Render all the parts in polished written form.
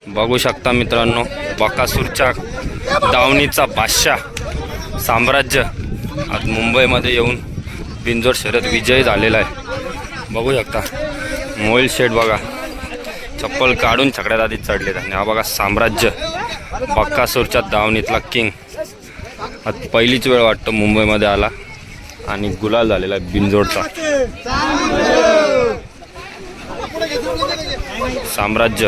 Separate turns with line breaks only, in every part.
बघू शकता मित्रांनो, बकासूरच्या दावणीचा बादशाह साम्राज्य आज मुंबईमध्ये येऊन बिनजोड शर्यत विजयी झालेला आहे। बघू शकता मोहिल शेठ बघा चप्पल काढून छकड्यात आधी चढलेत आणि हा बघा साम्राज्य बकासूरच्या दावणीतला किंग आज पहिलीच वेळ वाटतं मुंबईमध्ये आला आणि गुलाल झालेला आहे बिनजोडचा। साम्राज्य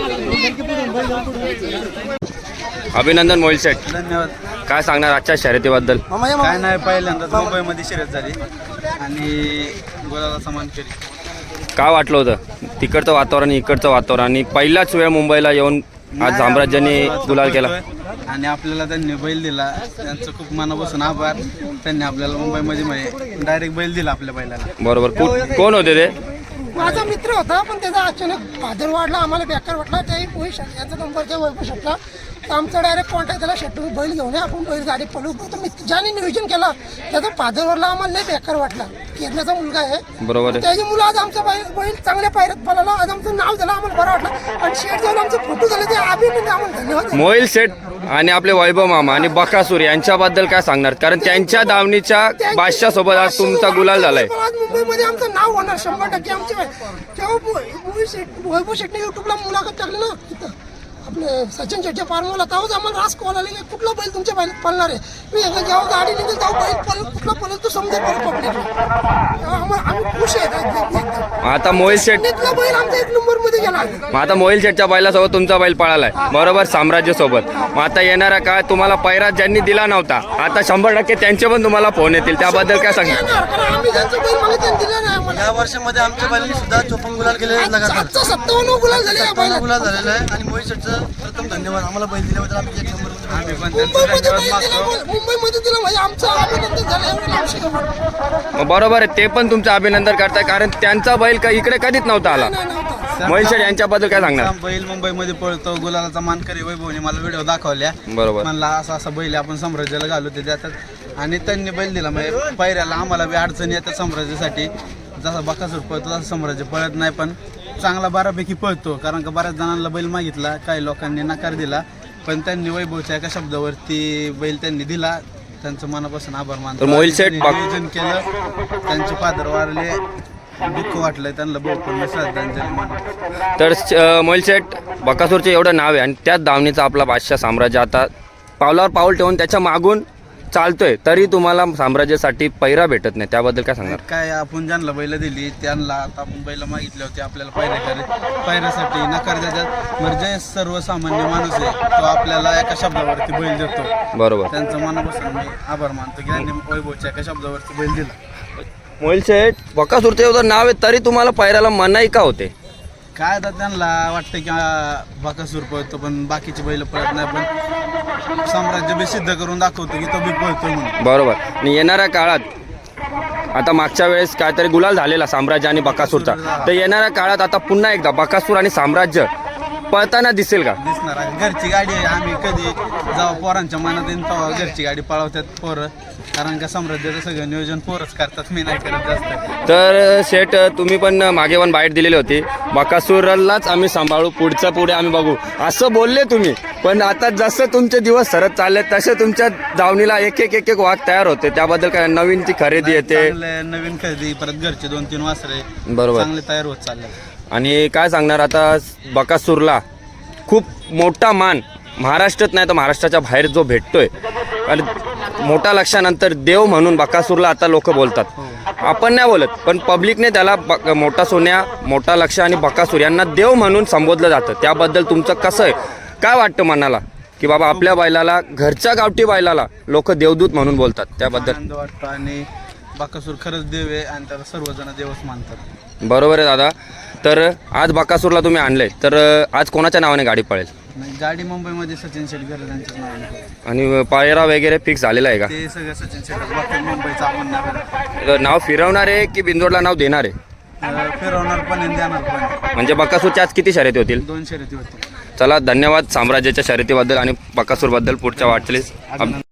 अभिनंदन मोहिल शेठ,
धन्यवाद।
काय सांगणार आजच्या शर्यतीबद्दल?
काय नाही, पहिल्यांदाच मुंबईमध्ये शर्यत झाली आणि गोलाला समान केली।
काय वाटलं होतं तिकडचं वातावरण इकडचं वातावरण आणि पहिलाच वेळ मुंबईला येऊन आज साम्राज्याने गुलाल केला
आणि आपल्याला त्यांनी बैल दिला, त्यांचं खूप मनापासून आभार। त्यांनी आपल्याला मुंबईमध्ये डायरेक्ट बैल दिला आपल्या बैलाला।
बरोबर, कोण होते ते?
माझा मित्र होता पण त्याचा अचानक फादर वाढला, आम्हाला बेकार वाटला। त्याही पोहे शर्ट याचा नंबर त्या वैभव शर्टला तर आमचा डायरेक्ट कॉन्टॅक्ट झाला, शेट तुम्ही बैल घेऊन या, आपण बैल गाडी पळू। तर मी ज्याने नियोजन केला त्याचा फादर वाढला, आम्हाला नाही बेकार वाटला। केरल्याचा मुलगा आहे,
बरोबर आहे।
त्याची मुलं आज आमचा बैल चांगल्या पायऱ्यात पळाला, आज आमचं नाव झालं, आम्हाला बरं वाटलं। आणि शेट जाऊन आमचे फोटो झाले, ते अभिनंदन, आम्हाला धन्यवाद।
मोहिल शेठ आणि आपले वैभव मामा आणि बकासूर यांच्याबद्दल काय सांगणार? कारण त्यांच्या दावणीच्या बादशाह सोबत आज तुमचा गुलाल झालाय।
आज मुंबईमध्ये आमचं नाव होणार 100%। आमचे वैभव शेटने युट्यूबला मुलाखत टाकली ना तिथं आपले सचिन शेटच्या फार्मला, तेव्हाच आम्हाला रास कॉल आले की कुठला बैल तुमच्या बैल पळणार आहे। मी जेव्हा गाडी निघेल तेव्हा बैल पळेल, कुठला पळेल तो समजा पब्लिक, आम्ही खुश आहे।
आता मोहिल शेठ
बैल आमचा 1 नंबर मध्ये गेला।
आता मोहिल शेठच्या बैलासोबत तुमचा बैल पळालाय, बरोबर, साम्राज्य सोबत। मग आता येणारा काय तुम्हाला पैरा ज्यांनी दिला नव्हता आता 100% त्यांचे पण तुम्हाला फोन येतील, त्याबद्दल काय सांगणार?
आम्ही ज्यांचं बैल मला त्यांनी दिलं नाही आम्हाला।
या वर्षामध्ये आमच्या बैलांनी सुद्धा 54 गुलाल केले, लगातार
57 गुलाल झाले या बैलात।
गुलाल झालेला आहे आणि मोहित शेठचं प्रथम धन्यवाद। आम्हाला बैल दिल्याबद्दल आम्ही 1 नंबर आम्ही पण
मुंबईमध्ये दिलं म्हणजे आमचं अभिनंदन झालं, एवढं लांबशी गमत
मग बरोबर आहे, ते पण तुमचं अभिनंदन करताय कारण त्यांचा बैल का इकडे कधीच नव्हता आला। मोहिल शेठ यांच्याबद्दल काय सांगणार?
बैल मुंबईमध्ये पळतो, गुलालाचा मानकरी वैभवने मला व्हिडिओ दाखवल्या,
बरोबर,
म्हणला असा असा बैल आपण साम्राज्याला घालू ते देतात आणि त्यांनी बैल दिला। म्हणजे पायऱ्याला आम्हाला बी अडचणी येतात साम्राज्यासाठी, जसा बकासूर पळतो तसं साम्राज्य पळत नाही, पण चांगला बऱ्यापैकी पळतो। कारण का बऱ्याच जणांना बैल मागितला, काही लोकांनी नकार दिला, पण त्यांनी वैभवच्या एका शब्दावरती बैल त्यांनी दिला, त्यांचं मनापासून आभार मानतो।
मोहिल शेठ
नियोजन केलं, त्यांचे फादर वारले, दुःख वाटलंय त्यांना, बहुत पण श्रद्धांजली म्हणून।
तर मोहिल शेठ बकासूरचे एवढं नाव आहे आणि त्याच दावणीचा आपला बादशाह साम्राज्य आता पावलावर पाऊल ठेवून त्याच्या मागून चालतोय, तरी तुम्हाला साम्राज्यासाठी पैरा भेटत नाही, त्याबद्दल काय सांगणार?
काय आपण ज्यांना बैल दिली त्यांना आता आपण बैल मागितले होते, आपल्याला पैऱ्यासाठी नकार देतात। म्हणजे सर्वसामान्य माणूस आहे तो आपल्याला एका शब्दावरती बैल देतो,
बरोबर,
त्यांचं मनापासून मी आभार मानतो की त्यांनी वैभवच्या एका शब्दावरती बैल दिला।
मोहिल शेठ बकासूरचं एवढं नाव आहे तरी तुम्हाला पैराला मनाई का होते?
काय आता त्यांना वाटतं की बकासूर पळतो पण बाकीचे बैल पळत नाही, पण साम्राज्य बी सिद्ध करून दाखवतो की तो बी पळतो म्हणून।
बरोबर, आणि येणाऱ्या काळात आता मागच्या वेळेस काहीतरी गुलाल झालेला साम्राज्य आणि बकासूरचा, तर येणाऱ्या काळात आता पुन्हा एकदा बकासूर आणि साम्राज्य पळताना दिसेल का?
दिसणार आहे, घरची गाडी आहे। आम्ही कधी जेव्हा पोरांच्या मनात येईल तेव्हा घरची गाडी पळवतात पोरं, कारण का साम्राज्याचं सगळं नियोजन पोरच करतात, मी नाही करत जास्त।
तर शेठ तुम्ही पण मागे पण बाईट दिलेली होती, बकासूरलाच आम्ही सांभाळू, पुढचं पुढे आम्ही बघू असं बोलले तुम्ही, पण आता जसं तुमचे दिवस सरत चालले तसे तुमच्या दावणीला एक एक वाघ तयार होते, त्याबद्दल काय नवीन ती खरेदी येते?
नवीन खरेदी, परत घरचे 2-3 वासरे
बरोबर
चांगले तयार होत चालले।
आणि काय सांगणार आता बकासूरला खूप मोठा मान महाराष्ट्रात नाही तर महाराष्ट्राच्या बाहेर जो भेटतोय, आणि मोठा लक्षानंतर देव म्हणून बकासूरला आता लोक बोलतात, आपण नाही बोलत पण पब्लिकने त्याला मोठा सोन्या, मोठा लक्ष आणि बकासूर यांना देव म्हणून संबोधलं जातं, त्याबद्दल तुमचं कसं आहे? काय वाटतं मनाला की बाबा आपल्या बैलाला, घरच्या गावठी बैलाला लोक देवदूत म्हणून बोलतात, त्याबद्दल
आनंद वाटतो आणि बकासूर खरंच देव आहे आणि त्याला सर्वजण देवच मानतात।
बरोबर आहे दादा। तर आज बकासूरला तुम्ही आणलंय, तर आज कोणाच्या नावाने गाडी पळेल?
गाडी मुंबईमध्ये सचिन शेट त्यांच्याच नावाने,
आणि पायरा वगैरे फिक्स झालेला आहे का?
ते सगळं सचिन शेट बाकी मुंबईचं आपण
नाव फिरवणार आहे की बिंदोडला नाव देणार आहे?
फिरवणार पण आणि देणार पण।
म्हणजे बकासूरच्या आज किती शर्यती होतील?
2 शर्यती होती।
चला, धन्यवाद साम्राज्याच्या शर्यतीबद्दल आणि बकासूरबद्दल पुढच्या वाटचालीस